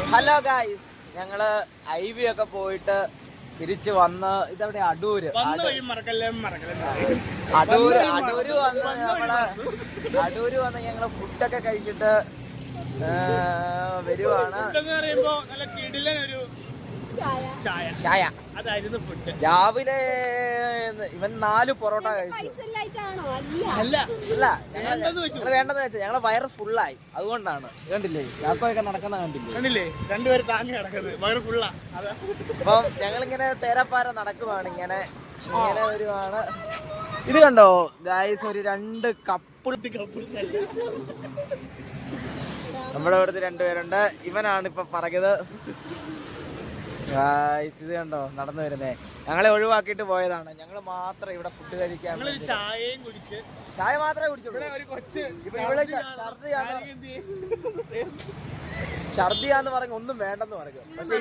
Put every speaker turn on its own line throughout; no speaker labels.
Hello guys, ഞങ്ങള് IV ഒക്കെ പോയിട്ട് തിരിച്ചു വന്ന് ഇതവിടെ അടൂര് വന്ന് ഞങ്ങള് ഫുഡൊക്കെ കഴിച്ചിട്ട് വരുവാണ്. ചായ രാവിലെ ഇവൻ 4 പൊറോട്ട കഴിച്ചു. അല്ല ഞങ്ങള് വേണ്ടെന്ന് വെച്ചാൽ ഞങ്ങളെ വയറ് ഫുള്ളായി, അതുകൊണ്ടാണ്. കണ്ടില്ലേ ചാക്കോയൊക്കെ നടക്കുന്ന കണ്ടില്ലേ,
രണ്ടുപേരും താങ്ങി നടക്കുന്നത് വയറ് ഫുള്ളാ.
അപ്പം ഞങ്ങളിങ്ങനെ തേരാപ്പാര നടക്കുവാണ്, ഇങ്ങനെ വരുവാണ്. ഇത് കണ്ടോ ഗായ്സ്, ഒരു 2 കപ്പിൾ നമ്മുടെ ഇവിടുത്തെ 2 പേരുണ്ട്. ഇവനാണ് ഇപ്പൊ പറഞ്ഞത്. ഇത് കണ്ടോ നടന്നു വരുന്നേ, ഞങ്ങളെ ഒഴിവാക്കിയിട്ട് പോയതാണ്. ഞങ്ങള് മാത്രം ഇവിടെ ഫുഡ് കഴിക്കാൻ ചായ മാത്രമേ കുടിച്ചുള്ളൂ. ഛർദിയാന്ന് പറഞ്ഞ ഒന്നും വേണ്ടെന്ന് പറഞ്ഞു. പക്ഷെ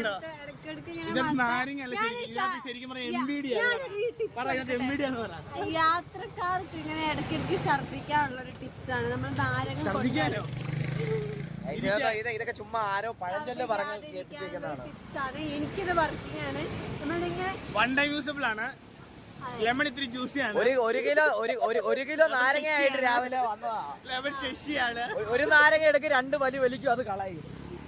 യാത്രക്കാർക്ക് ഇങ്ങനെ ഇടയ്ക്കിടയ്ക്ക് ഛർദിക്കാനുള്ള ഒരു ടിപ്സാണ് നമ്മൾ നാരങ്ങ.
ഇതൊക്കെ ചുമ്മാ ആരോ പഴഞ്ചൊല്ല് പറഞ്ഞ് കേൾപ്പിച്ചേക്കുന്നതാണ്.
എനിക്കിത് വർക്കിംഗ് ആണ്.
വൺ ടൈം യൂസബിൾ ആണ്. ലെമൺ ഇത്തിരി ജ്യൂസിയാണ്.
ഒരു കിലോ നാരങ്ങ ആയിട്ട് രാവിലെ വന്നതാ.
ലെമൺ ശശിയാണ്.
ഒരു നാരങ്ങ എടുക്ക് 2 വലി വലിക്കും, അത് കളയും.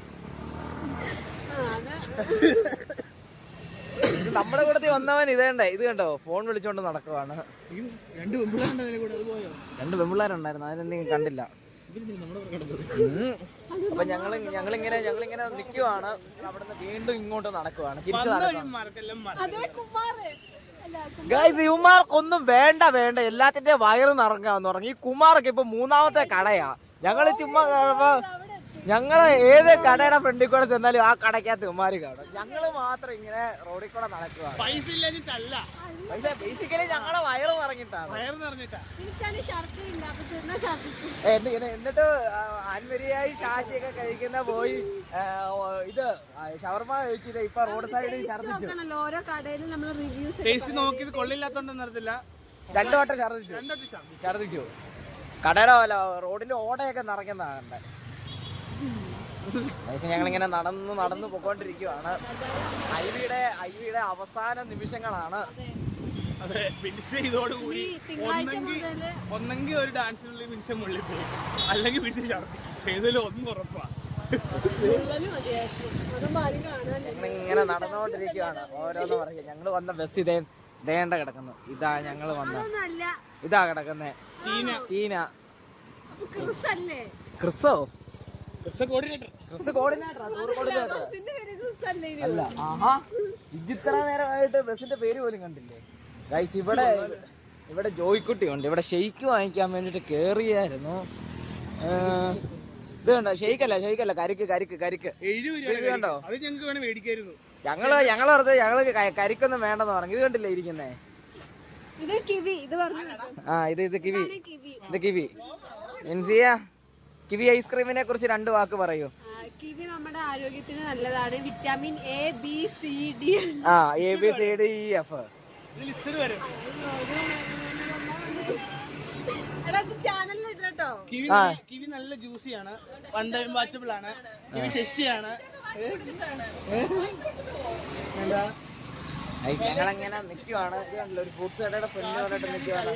നമ്മുടെ കൂടത്തിൽ വന്നവൻ ഇത് കണ്ടോ ഫോൺ വിളിച്ചോണ്ട് നടക്കുവാണ്. 2 പെമ്പിള്ളേരുണ്ടായിരുന്നു, അതിനെന്തെങ്കിലും കണ്ടില്ല. അപ്പൊ ഞങ്ങളിങ്ങനെ നിൽക്കുവാണ്. അവിടുന്ന് വീണ്ടും ഇങ്ങോട്ട് നടക്കുവാണ്, തിരിച്ചു ഗൈസ്. ഇവന്മാർക്കൊന്നും വേണ്ട, എല്ലാത്തിന്റെ വയറ് നിറങ്ങാന്ന് പറഞ്ഞു. ഈ കുമാറൊക്കെ ഇപ്പൊ 3ാമത്തെ കടയാ. ഞങ്ങള് ചുമ്മാ ഞങ്ങള് ഏത് കടയുടെ ഫ്രണ്ടിൽ കൂടെ ചെന്നാലും ആ കടക്കകത്ത് ഇവന്മാര് കാണും. ഞങ്ങള് മാത്രം ഇങ്ങനെ റോഡിൽ കൂടെ നടക്കുക. ബേസിക്കലി ഞങ്ങളെ വയറ് നിറഞ്ഞിട്ടാണ്. എന്നിട്ട് ആൻവരിയായി ഷാജിയൊക്കെ കഴിക്കുന്ന പോയി ഇത് ഷവർമ കഴിച്ചിട്ട് ഇപ്പൊ റോഡ് സൈഡിൽ ഛർദിച്ചു.
ഓരോ കടയിലും നമ്മൾ റിവ്യൂസ്
നോക്കിയത് കൊള്ളില്ലാത്തോണ്ടെന്ന് അറിയത്തില്ല.
2 വട്ടം ഛർദിച്ചു. കടയുടെ റോഡിന്റെ ഓടയൊക്കെ നിറയ്ക്കുന്നതാകണ്ടേ. ഞങ്ങളിങ്ങനെ നടന്ന് പോയിക്കൊണ്ടിരിക്കുവാണ്. ഐവിയുടെ അവസാന നിമിഷങ്ങളാണ്.
അതെ, ഫിനിഷ് ഇതോടുകൂടി ഒന്നെങ്കിൽ ഒരു ഡാൻസിനുള്ളിൽ നിമിഷം മുള്ളിൽ പോയി, അല്ലെങ്കിൽ ഫിനിഷ് ഛർദ്ദി. ഏതെങ്കിലും ഒന്നും ഉറപ്പാ.
ഞങ്ങളിങ്ങനെ നടന്നുകൊണ്ടിരിക്കുവാണ്. ഓരോന്ന് പറയും. ഞങ്ങള് വന്ന ബസ് ഇതേണ്ട കിടക്കുന്നു. ഇതാ ഞങ്ങള് വന്ന ഇതാ കിടക്കുന്നേ ടീന. ക്രിസോ അല്ല. ആഹാ, ഇത്ര നേരമായിട്ട് ബസിന്റെ പേര് പോലും കണ്ടില്ലേ ഗൈസ്. ഇവിടെ ജോയിക്കുട്ടി ഉണ്ട്. ഇവിടെ ഷെയ്ക്ക് വാങ്ങിക്കാൻ വേണ്ടിട്ട് കേറിയായിരുന്നു. ഇത് കണ്ടോ, ഷെയ്ക്കല്ല കരിക്ക് കണ്ടോ. ഞങ്ങള് കരിക്കൊന്നും വേണ്ടെന്ന് പറഞ്ഞു. ഇത് കണ്ടില്ലേ ഇരിക്കുന്നേ. ഇത് കിവി. കിവി ഐസ്ക്രീമിനെ കുറിച്ച് 2 വാക്ക് പറയൂ.
കിവി നമ്മുടെ ആരോഗ്യത്തിന് നല്ലതാണ്. Vitamin A, B, C, D.
ABCDEF.
Kiwi നല്ല ജ്യൂസിയാണ്, വൺ ടൈം വാച്ചബിൾ ആണ്. കിവി ശശിയാണ്.
ഞങ്ങളങ്ങനെ നിൽക്കുവാണ്. ഒരു ഫ്രൂട്ട്സ് കടയുടെ ഫ്രണ്ട് പറഞ്ഞിട്ട് നിൽക്കുവാണ്.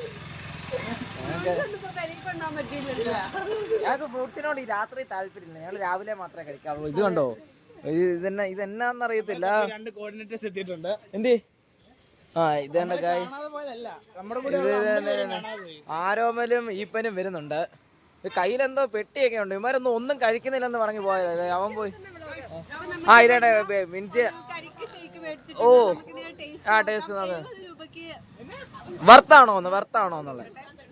ഞങ്ങൾക്ക് ഫ്രൂട്ട്സിനോട് ഈ രാത്രി താല്പര്യമില്ല. ഞങ്ങൾ രാവിലെ മാത്രമേ കഴിക്കാറുള്ളൂ. ഇത് കണ്ടോ, ഇതെന്നാന്നറിയത്തില്ല. എന്തി ഇത് കണ്ട ഗായ്, ആരോമലും ഈപ്പനും വരുന്നുണ്ട്. കയ്യിലെന്തോ പെട്ടിയൊക്കെ ഉണ്ട്. ഇവന്മാരൊന്നും ഒന്നും കഴിക്കുന്നില്ലെന്ന് പറഞ്ഞു പോയത്. അവൻ പോയി ഇതേടെ മിനിറ്റ്. ഓ ടേസ്റ്റ് വർത്താണോ എന്നുള്ളത്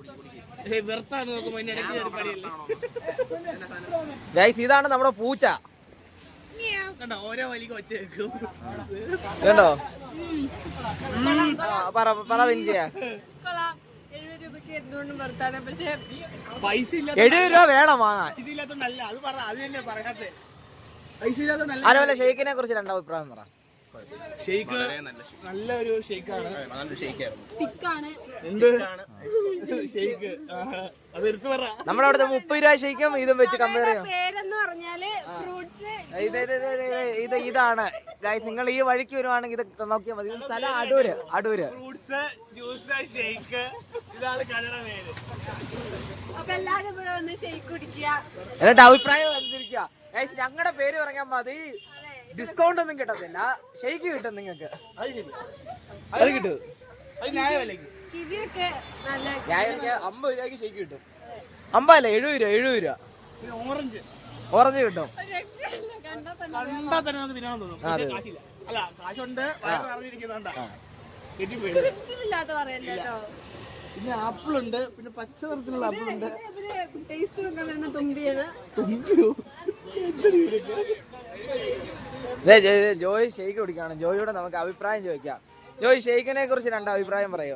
ഗൈസ്. ഇതാണ് നമ്മുടെ പൂച്ച. കണ്ടോ, പറ വിൻസിയ. 70 രൂപ വേണം വാങ്ങാൻ. അതുപോലെ ഷെയ്ക്കിനെ കുറിച്ച് 2 അഭിപ്രായം പറ.
ഷെയ്ക്ക് നല്ലൊരു ഷെയ്ക്കാണ്.
തിക്കാണ്.
എന്ത് ഷെയ്ക്ക് അത് എടുത്തു പറ.
നമ്മുടെ അവിടുത്തെ 30 രൂപ ഷെയ്ക്കും ഇതും വെച്ച് കമ്പയർ ചെയ്യാം.
പേരെന്ന് പറഞ്ഞാല് ഫ്രൂട്ട്സ്.
ഇതാണ് ഗൈസ്, നിങ്ങൾ ഈ വഴിക്ക് വരുവാണെങ്കിൽ ഇത് നോക്കിയാൽ മതി. ഇത് സ്ഥലം അടൂര്.
ഫ്രൂട്ട്സ് ജ്യൂസ് ഷെയ്ക്ക് ഇതാണ് കടയുടെ പേര്.
അപ്പൊ എല്ലാരും ഇവിടെ വന്ന് ഷെയ്ക്ക് കുടിക്കുക.
എന്നിട്ട് അഭിപ്രായം അനുസരിക്കുക. ഗൈസ് ഞങ്ങളുടെ പേര് പറഞ്ഞാൽ മതി. ഡിസ്കൗണ്ട് ഒന്നും കിട്ടത്തില്ല, ഷെയ്ക്ക് കിട്ടും നിങ്ങൾക്ക്. അത് കിട്ടും.
അത് ന്യായമല്ലെങ്കിൽ
കിവിയൊക്കെ നല്ല
50 രൂപയ്ക്ക് ഷെയ്ക്ക് കിട്ടും. 50 അല്ല 70 രൂപ. ഓറഞ്ച് കിട്ടും.
കണ്ടാ തന്നെ നമുക്ക് തിന്നാൻ തോന്നും. കാശില്ല. അല്ല കാശുണ്ട്, വയറ് നിറഞ്ഞിരിക്കുന്നുണ്ടാ.
ഇല്ലാത്ത പറയല്ലോ കേട്ടോ.
പിന്നെ ആപ്പിൾ ഉണ്ട്, പിന്നെ പച്ച നിറത്തിലുള്ള ആപ്പിൾ ഉണ്ട്.
ടേസ്റ്റ് നോക്കാൻ വരുന്ന തുമ്പിയാണ്.
ജോയ് ഷെയ്ക്ക് കുടിക്കാണ്. ജോയിയോട് നമുക്ക് അഭിപ്രായം ചോദിക്കാം. ജോയ് ഷെയ്ക്കിനെ കുറിച്ച് 2 അഭിപ്രായം പറയോ?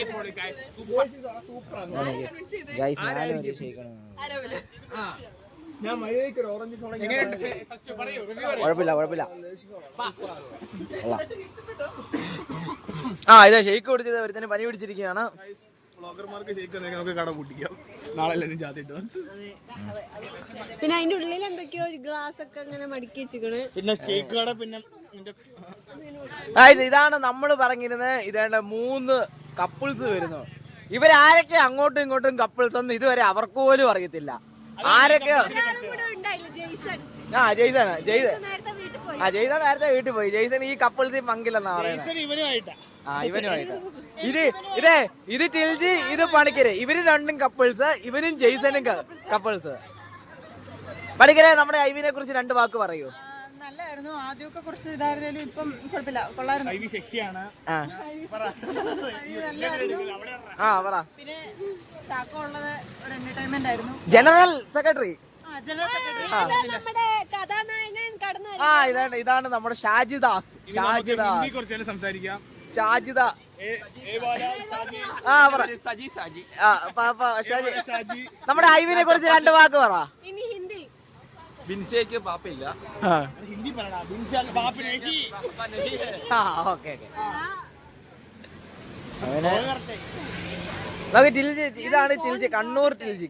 കുഴപ്പമില്ല. ഇതാ ഷെയ്ക്ക് കുടിച്ചത് ഒരുത്തന് പനി പിടിച്ചിരിക്കുകയാണ്.
ബ്ലോഗർമാർക്ക് ഷെയ്ക്ക് നമുക്ക് കട കൂട്ടിക്കാം. നാളെ ജാതിട്ട്
പിന്നെ അതിന്റെ ഉള്ളിൽ എന്തൊക്കെയോ ഒരു ഗ്ലാസ് ഒക്കെ അങ്ങനെ മടക്കി വെച്ചിക്കണ്.
പിന്നെ ഷെയ്ക്ക് കട. പിന്നെ
ഇതാണ് നമ്മൾ പറഞ്ഞിരുന്നത്. ഇതേണ്ട 3 കപ്പിൾസ് വരുന്നു. ഇവരാരൊക്കെ അങ്ങോട്ടും ഇങ്ങോട്ടും കപ്പിൾസ് എന്ന് ഇതുവരെ അവർക്ക് പോലും അറിയത്തില്ല. ആരൊക്കെ? ജെയ്സൺ നേരത്തെ വീട്ടിൽ പോയി. ജെയ്സൺ ഈ കപ്പിൾസിൽ പങ്കില്ലെന്നാ പറയുന്നത്. ഇവനുമായിട്ട് ഇത് ടിൽജി, ഇത് പണിക്കര്. ഇവര് 2 കപ്പിൾസ്, ഇവനും ജെയ്സനും കപ്പിൾസ്. പണിക്കരെ, നമ്മുടെ ഐവിനെ കുറിച്ച് 2 വാക്ക് പറയൂ.
നല്ലായിരുന്നു. ആദ്യമൊക്കെ കുറച്ച് ഇതായിരുന്നാലും ഇപ്പം കുഴപ്പമില്ല, കൊള്ളായിരുന്നു. പിന്നെ ചാക്കോ ഉള്ളത് ഒരു എന്റർടൈൻമെന്റ് ആയിരുന്നു.
General secretary. ഇതാണ് നമ്മുടെ ഷാജിദാസ്. നമ്മുടെ ഐവിനെ കുറിച്ച് 2 വാക്ക് പറ.
ബിൻസിക്ക് പാപ്പില്ല.
ഹിന്ദി
നമുക്ക് ടിൽജി, ഇതാണ് ടിൽജി. കണ്ണൂർ ടിൽജി.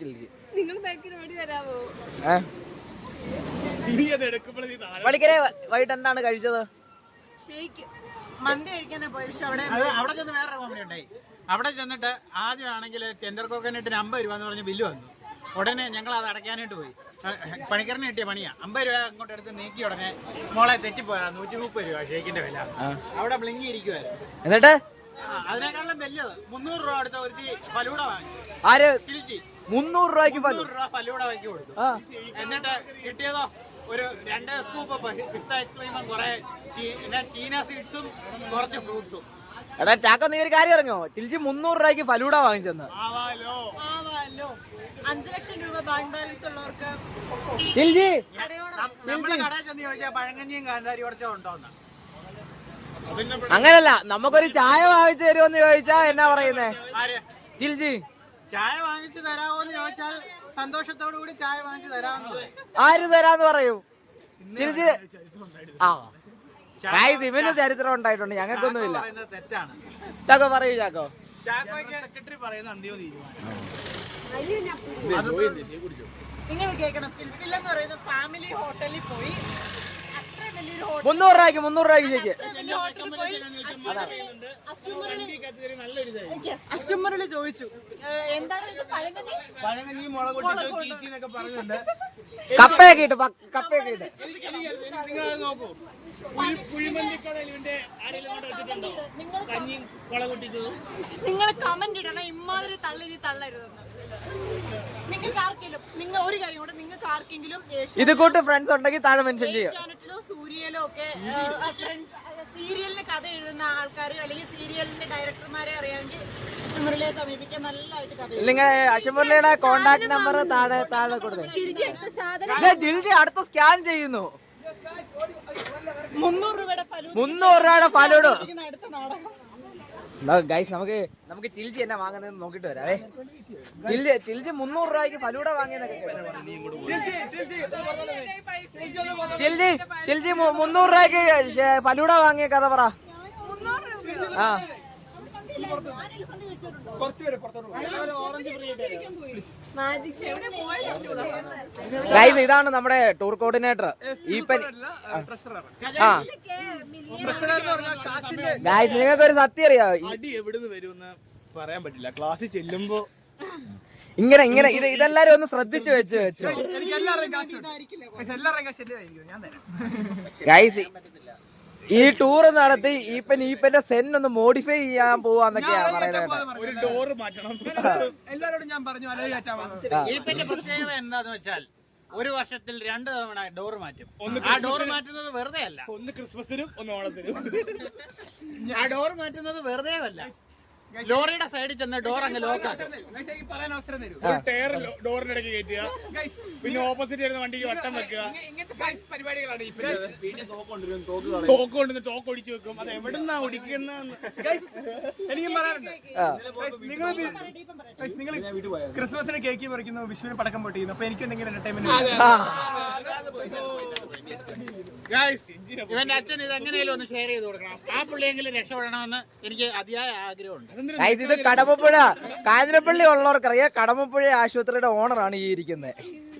പണിക്കരെ, വൈകിട്ട് എന്താണ് കഴിച്ചത്?
മന്തി കഴിക്കാനാ പോയി. പക്ഷെ
അവിടെ ചെന്ന് വേറൊരു കോമഡി ഉണ്ടായി. അവിടെ ചെന്നിട്ട് ആദ്യമാണെങ്കിൽ ടെൻഡർ കോക്കനട്ടിന് 50 രൂപ എന്ന് പറഞ്ഞ് ബില്ല് വന്നു. ഉടനെ ഞങ്ങൾ അത് അടയ്ക്കാനായിട്ട് പോയി. പണിക്കറിന് കിട്ടിയ പണിയാ. 50 രൂപ അങ്ങോട്ട് എടുത്ത് നീക്കി ഉടനെ മോളെ തെറ്റിപ്പോയാ 130 രൂപ ഷേക്കിന്റെ വില. അവിടെ ബ്ലിങ്കി ഇരിക്കുവായിരുന്നു.
എന്നിട്ട്
അതിനേക്കാളും വലിയത് 300 രൂപ അടുത്ത ഒരു ഫലൂട വാങ്ങി.
ആര്?
തിരിച്ച്
300 രൂപയ്ക്ക്
300 രൂപ ഫലൂട വാങ്ങി കൊടുത്തു. എന്നിട്ട് കിട്ടിയതോ ഒരു 2 സ്കൂപ്പ് പിസ്ത ഐസ്ക്രീമും കുറെ ചീന സീഡ്സും കുറച്ച് ഫ്രൂട്ട്സും.
എടാ ചാക്കോ, നീ ഒരു കാര്യം അറിഞ്ഞോ? ടിൽജി 300 രൂപയ്ക്ക് ഫലൂട വാങ്ങിച്ചെന്ന്.
5 ലക്ഷം രൂപ ബാങ്ക് ബാലൻസ് ഉള്ളവർക്ക്
ടിൽജി
നമ്മളെ കടയിൽ ചെന്ന് ചോദിച്ചാൽ പഴങ്കഞ്ഞിയും കാന്താരി കുറച്ചോ ഉണ്ടോന്ന്.
അങ്ങനല്ല, നമുക്കൊരു ചായ വാങ്ങിച്ചു തരുമെന്ന് ചോദിച്ചാ എന്നാ പറയുന്നേ? ടിൽജി
ചായ വാങ്ങിച്ചു തരാമോന്ന് ചോദിച്ചാൽ സന്തോഷത്തോടു കൂടി ചായ വാങ്ങിച്ചു തരാമെന്ന്.
ആര് തരാന്ന് പറയൂ? ടിൽജി ഇവന് ചരിത്രം ഉണ്ടായിട്ടുണ്ട്, ഞങ്ങൾക്കൊന്നുമില്ല.
തെറ്റാണ്.
ചാക്കോ പറയൂ. ചാക്കോ
സെക്രട്ടറി പറയുന്ന അന്തിമ തീരുമാനം.
നിങ്ങൾ കേൾക്കണം. ഫിൽഫിൽ എന്ന് പറയുന്ന ഫാമിലി ഹോട്ടലിൽ പോയി. അത്ര വലിയൊരു
300 രൂപയ്ക്ക് ശരിക്ക്
അശ്വമറിൽ ചോദിച്ചു എന്താണ്
പഴങ്കഞ്ഞി മുളക് പൊട്ടിച്ചോ പറയുന്നുണ്ട്.
കപ്പയൊക്കെ ഇട്ട്
നിങ്ങൾ നോക്കൂ. കുഴിമന്തിക്കടയിൽ ഇവന്റെ ആരെങ്കിലും കൊണ്ട് വെച്ചിട്ടുണ്ടോ കഞ്ഞി മുളക് പൊട്ടിച്ചത്?
നിങ്ങൾ കമന്റ് ഇടണം. ഇമ്മാതിരി തള്ളി തള്ളരുതെന്ന്. നിങ്ങൾക്ക് ആർക്കെങ്കിലും ഒരു കാര്യം കൂടെ, നിങ്ങൾക്ക് ആർക്കെങ്കിലും
ഇത് കൂട്ട് ഫ്രണ്ട്സ് ഉണ്ടെങ്കിൽ താഴെ മെൻഷൻ ചെയ്യാം.
ഏഷ്യാനെറ്റിലോ സൂര്യയിലോ ഒക്കെ സീരിയലിന് കഥ എഴുതുന്ന ആൾക്കാർ അല്ലെങ്കിൽ സീരിയലിന്റെ ഡയറക്ടർമാരെ അറിയാമെങ്കിൽ അശ്വമുരളിയെ സമീപിക്കാൻ നല്ലതായിട്ട് കഥ.
നിങ്ങൾ അശ്വമുരളിയുടെ കോണ്ടാക്ട് നമ്പർ താഴെ കൊടുത്തേ. ജിൽജി അടുത്ത സ്കാൻ ചെയ്യുന്നു.
300 രൂപയുടെ
ഫലൂഡ.
അടുത്ത നാടകം
ഗൈസ് നമുക്ക് ടിൽജി എന്നാ വാങ്ങുന്നത് നോക്കിട്ട് വരാവേ. ടിൽജി 300 രൂപയ്ക്ക് ഫലൂഡ വാങ്ങിയെന്നൊക്കെ ടിൽജി 300 രൂപയ്ക്ക് ഫലൂഡ വാങ്ങിയ കഥ പറ. ആ ഗൈസ് ഇതാണ് നമ്മുടെ ടൂർ കോർഡിനേറ്റർ ഈപ്പൻ. ആ ഗൈസ് നിങ്ങൾക്കൊരു സത്യം അറിയാം,
അടി എവിടുന്ന് വരുമെന്ന് പറയാൻ പറ്റില്ല. ക്ലാസ്സിൽ ചെല്ലുമ്പോ
ഇങ്ങനെ ഇതെല്ലാരും ഒന്ന് ശ്രദ്ധിച്ചു വെച്ചോ. ഗൈസ് ഈ ടൂർ നടത്തി ഈപ്പന്റെ സെൻ ഒന്ന് മോഡിഫൈ ചെയ്യാൻ പോവാന്നൊക്കെയാ പറയുന്നത്.
ഒരു ഡോറ് മാറ്റണം.
എല്ലാരോടും ഞാൻ പറഞ്ഞു ഈപ്പന്റെ പ്രത്യേകത എന്താന്ന് വെച്ചാൽ ഒരു വർഷത്തിൽ 2 തവണ ഡോറ് മാറ്റും. ആ ഡോറ് മാറ്റുന്നത് വെറുതെ അല്ല,
ഒന്ന് ക്രിസ്മസിനും ഒന്ന് ഓണത്തിനും.
ആ ഡോറ് മാറ്റുന്നത് വെറുതെ അല്ല, ലോറിയുടെ സൈഡിൽ ചെന്ന് ഡോർ അങ്ങ് ലോക്കാക്കും. പറയാൻ അവസരം തരൂ.
ഒരു ടയർ ഡോറിന്റെ ഇടയ്ക്ക് കയറ്റുക, പിന്നെ ഓപ്പോസിറ്റ് വരുന്ന വണ്ടിക്ക് വട്ടം വെക്കുക.
പരിപാടികളാണ്
തോക്ക് ഒടിച്ചു വെക്കും. അത് എവിടുന്നാ ഒടിക്കുന്ന
എനിക്കും പറയാറുണ്ട്. നിങ്ങൾ ക്രിസ്മസിന് കേക്ക് പറിക്കുന്നു, വിഷുവിന് പടക്കം പൊട്ടിക്കുന്നു, അപ്പൊ എനിക്ക് എന്തെങ്കിലും എന്റർടൈൻമെന്റ്. ഇവന്റെ അച്ഛൻ ഇത് എങ്ങനെയാലും ഒന്ന് ഷെയർ ചെയ്ത് കൊടുക്കണം. ആ പുള്ളിയെങ്കിലും രക്ഷപ്പെടണമെന്ന് എനിക്ക് അതിയായ ആഗ്രഹമുണ്ട്.
ഇത് കടമപ്പുഴ കാഞ്ഞിരപ്പള്ളി ഉള്ളവർക്കറിയാം, കടമപ്പുഴ ആശുപത്രിയുടെ ഓണറാണ് ഈ ഇരിക്കുന്നത്.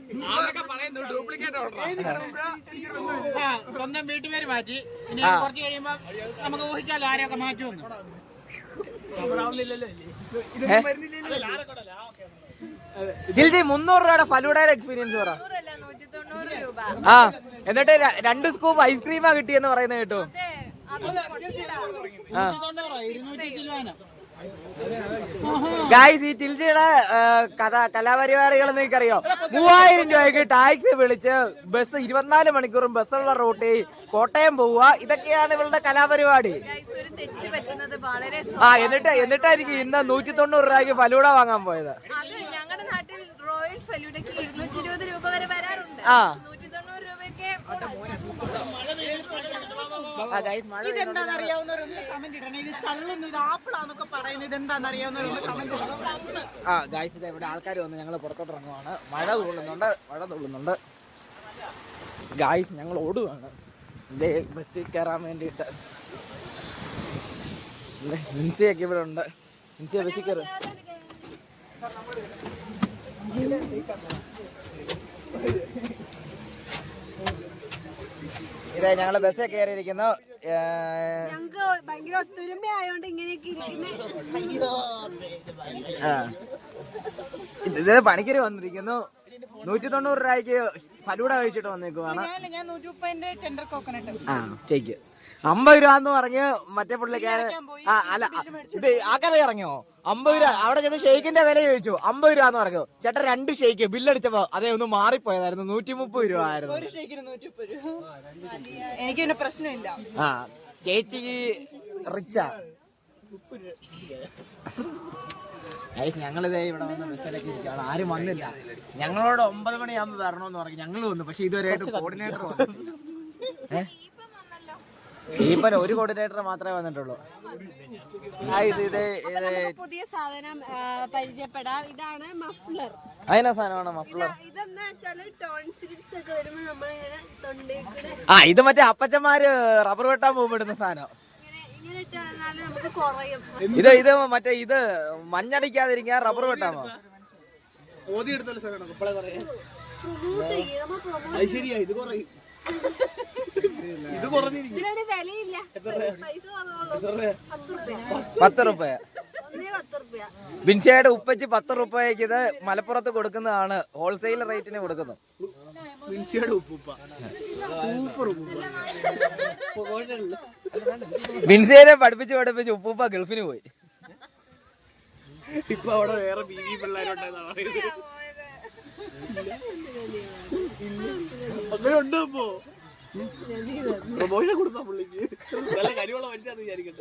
സ്വന്തം വീട്ടുപേര് മാറ്റി, ഇനി കുറച്ച് കഴിയുമ്പോ നമുക്ക് ഊഹിക്കാലോ ആരെയൊക്കെ മാറ്റുമെന്ന്.
ദിൽജി 300 രൂപയുടെ ഫലൂഡയുടെ എക്സ്പീരിയൻസ് പറ.
190 രൂപ.
ആ എന്നിട്ട് 2 സ്കൂപ്പ് ഐസ്ക്രീമാ കിട്ടിയെന്ന് പറയുന്നത് കേട്ടോ. ഗായ്സ് ഈ ടിൽജിയുടെ കലാപരിപാടികൾ നിങ്ങൾക്കറിയോ? 3000 രൂപയ്ക്ക് ടാക്സി വിളിച്ച് ബസ് 24 മണിക്കൂറും ബസ്സുള്ള റൂട്ടിൽ കോട്ടയം പോവുക, ഇതൊക്കെയാണ് ഇവളുടെ കലാപരിപാടി. എന്നിട്ടായിരിക്കും ഇന്ന് 190 രൂപയ്ക്ക് ഫലൂഡ വാങ്ങാൻ പോയത്.
ഞങ്ങളുടെ നാട്ടിൽ റോയൽ ഫലൂഡയ്ക്ക് 220 രൂപ വരെ വരാറുണ്ട്. 190 രൂപയ്ക്ക്
ഇതെന്താന്ന് അറിയാവുന്നവരൊന്ന് കമന്റ് ഇടണേ. ഇത് ചള്ളുന്നു, ഇത് ആപ്പിളാന്നൊക്കെ പറയുന്നത് ഇതെന്താന്ന് അറിയാവുന്നവരൊന്ന് കമന്റ് ഇടണം.
ഗായ്സ് ഇത് ഇവിടെ ആൾക്കാർ വന്ന് ഞങ്ങൾ പുറത്തോട്ട് ഇറങ്ങുവാണ്. മഴ തുള്ളുന്നുണ്ട്. ഗായ്സ് ഞങ്ങൾ ഓടുകയാണ് ബസ്സിൽ കയറാൻ വേണ്ടിയിട്ട്. മിൻസിയൊക്കെ ഇവിടെ ഉണ്ട്. മിൻസിയ ബസ്സിൽ കയറും. ഇതേ ഞങ്ങള് ബസ്സിൽ കയറിയിരിക്കുന്നു.
ഞങ്ങക്ക് ഭയങ്കര ഒത്തൊരുമ ആയോണ്ട് ഇങ്ങനെയൊക്കെ
ഇത് പണിക്കര് വന്നിരിക്കുന്നു. 190 രൂപയ്ക്ക് ഫലൂഡ കഴിച്ചിട്ട് വന്നേക്കുവാണ്.
ഞാൻ 130 ടെൻഡർ കോക്കനട്ട്.
ഷേക്ക് 50 രൂപ എന്ന് പറഞ്ഞ് മറ്റേ പുള്ളിക്കാരൻ അല്ല ഇത് ആ കഥ ഇറങ്ങിയോ? 50 രൂപ അവിടെ ചെന്ന് ഷെയ്ക്കിന്റെ വില ചോദിച്ചു. 50 രൂപ എന്ന് പറഞ്ഞു. ചേട്ടൻ 2 ഷെയ്ക്ക് ബില്ലടിച്ചപ്പോ അതേ ഒന്ന് മാറിപ്പോയതായിരുന്നു. 130 രൂപ ആയിരുന്നു.
ഒരു ഷേക്കിന് 130 രൂപ. എനിക്ക് പിന്നെ പ്രശ്നമില്ല.
ചേച്ചി റിച്ചാ. ഞങ്ങളിതേ ഇവിടെ വന്ന് ബസ്സിലൊക്കെ ഇരിക്കുകയാണ്. ആരും വന്നില്ല. ഞങ്ങളോട് 9 മണിയാകുമ്പോൾ വരണമെന്ന് പറഞ്ഞു. ഞങ്ങൾ വന്നു, പക്ഷെ ഇതുവരെയായിട്ട് കോർഡിനേറ്റർ വന്നു. ഈപ്പൻ ഒരു കോർഡിനേറ്റർ മാത്രമേ വന്നിട്ടുള്ളൂ.
പുതിയ സാധനം പരിചയപ്പെടാം. ഇതാണ് മഫ്ലർ.
അതിനാ സാധനമാണ് മഫ്ലർ.
ഇതെന്താ വെച്ചാല് ടോൺസിൽസ് ഒക്കെ വരുമ്പോ നമ്മളിങ്ങനെ തൊണ്ടയിൽ
ഇത് മറ്റേ അപ്പച്ചന്മാര് റബ്ബർ വെട്ടാൻ പോകുമ്പോ ഇടുന്ന സാധനം.
ഇങ്ങനെ ഇട്ടാല് നമുക്ക് കുറയും.
ഇത് മറ്റേ ഇത് മഞ്ഞടിക്കാതിരിക്കാൻ റബ്ബർ വെട്ടാമോ?
ശരിയാ, ഇത് കുറയും.
ഇതിന് വിലയില്ല. പൈസ
10 രൂപ. ബിൻസിയുടെ ഉപ്പച്ചി 10 രൂപയ്ക്ക് ഇത് മലപ്പുറത്ത് കൊടുക്കുന്നതാണ്. ഹോൾസെയിൽ റേറ്റിന് കൊടുക്കുന്നത്. ബിൻസിയെ പഠിപ്പിച്ച് ഉപ്പൂപ്പ ഗൾഫിന് പോയി.
ഇപ്പൊ അവിടെ വേറെ ബീവി പിള്ളേരുണ്ടെന്നാ പറയുന്നത്. അങ്ങനെ ഉണ്ടോ ഇപ്പോ? പ്രൊമോഷൻ കൊടുത്താ പുള്ളിക്ക് നല്ല കരിവുള്ള മനുഷ്യാന്ന് വിചാരിക്കട്ടെ.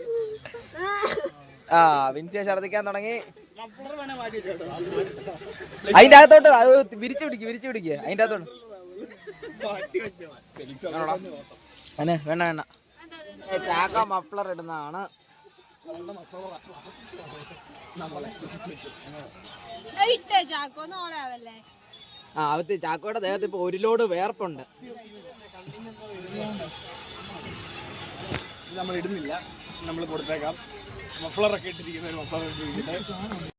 വിൻസിയെ ഛർദിക്കാൻ തുടങ്ങി. അതിന്റെ അകത്തോട്ട് അത് വിരിച്ചു പിടിക്കുക. അതിന്റെ അകത്തോട്ട് വേണ്ട ചാക്ക മഫ്ലർ ഇടുന്നതാണ്.
നമ്മളെ ശിക്ഷിച്ചു.
ആ അവത്ത് ചാക്കോയുടെ ദേഹത്ത് ഇപ്പൊ ഒരു ലോഡ് വേർപ്പുണ്ട്.
നമ്മൾ ഇടുന്നില്ല, നമ്മൾ കൊടുത്തേക്കാം. മഫ്ലറൊക്കെ ഇട്ടിരിക്കുന്ന ഒരു മഫ്ലർ ഇട്ടിരിക്കുന്നത്